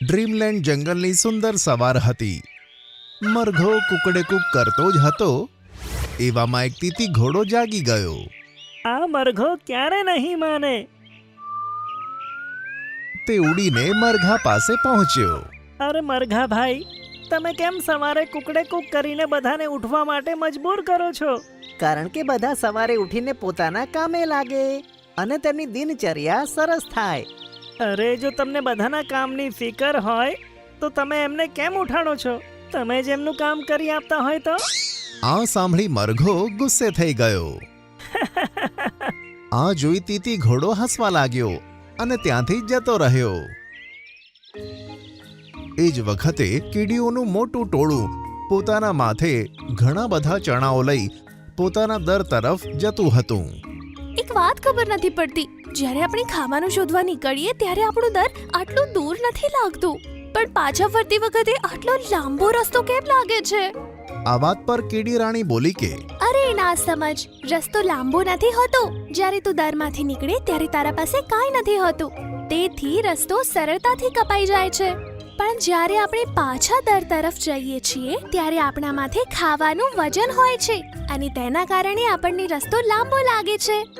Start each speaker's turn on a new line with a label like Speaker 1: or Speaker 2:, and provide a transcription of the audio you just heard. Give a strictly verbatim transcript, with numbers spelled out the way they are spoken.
Speaker 1: Dreamland જંગલની સુંદર સવાર હતી. મરઘો કુકડેકુક કરતો જ હતો એવામાં એક તીતી ઘોડો જાગી ગયો.
Speaker 2: આ મરઘો ક્યારે નહીં માને.
Speaker 1: તે ઉડીને મરઘા પાસે પહોંચ્યો.
Speaker 2: અરે મરઘા ભાઈ, તમે કેમ સવારે કુકડે કુક કરીને બધાને ઉઠવા માટે મજબૂર કરો છો?
Speaker 3: કારણ કે બધા સવારે ઉઠીને પોતાના કામે લાગે અને તેમની દિનચર્યા સરસ થાય.
Speaker 2: અરે જો તમને બધાના કામની ફિકર હોય તો તમે એમને કેમ ઉઠાડો છો? તમે જ એમનું કામ કરી આપતા હોય તો.
Speaker 1: આ સાંભળી મરઘો ગુસ્સે થઈ ગયો. આ જોઈ તીતી ઘોડો હસવા લાગ્યો અને ત્યાંથી જતો રહ્યો. એ જ વખતે કીડીઓનું મોટું ટોળું પોતાના માથે ઘણા બધા ચણાઓ લઈ પોતાના દર તરફ જતું હતું.
Speaker 4: એક વાત ખબર નથી પડતી, જ્યારે આપણે ખાવાનું શોધવા નીકળીએ ત્યારે આપણું દર આટલું દૂર નથી લાગતું, પણ પાછા ફરતી વખતે આટલો લાંબો રસ્તો કેમ લાગે છે?
Speaker 1: આ વાત પર કીડી રાણી બોલી કે
Speaker 4: અરે ના સમજ, રસ્તો લાંબો નથી હોતો. જ્યારે તું દરમાંથી નીકળે ત્યારે તારા પાસે કાંઈ નથી હોતું, તેથી રસ્તો સરળતાથી કપાઈ જાય છે. પણ જ્યારે આપણે પાછા દર તરફ જઈએ છીએ ત્યારે આપણા માથે ખાવાનું વજન હોય છે અને તેના કારણે આપણને રસ્તો લાંબો લાગે છે.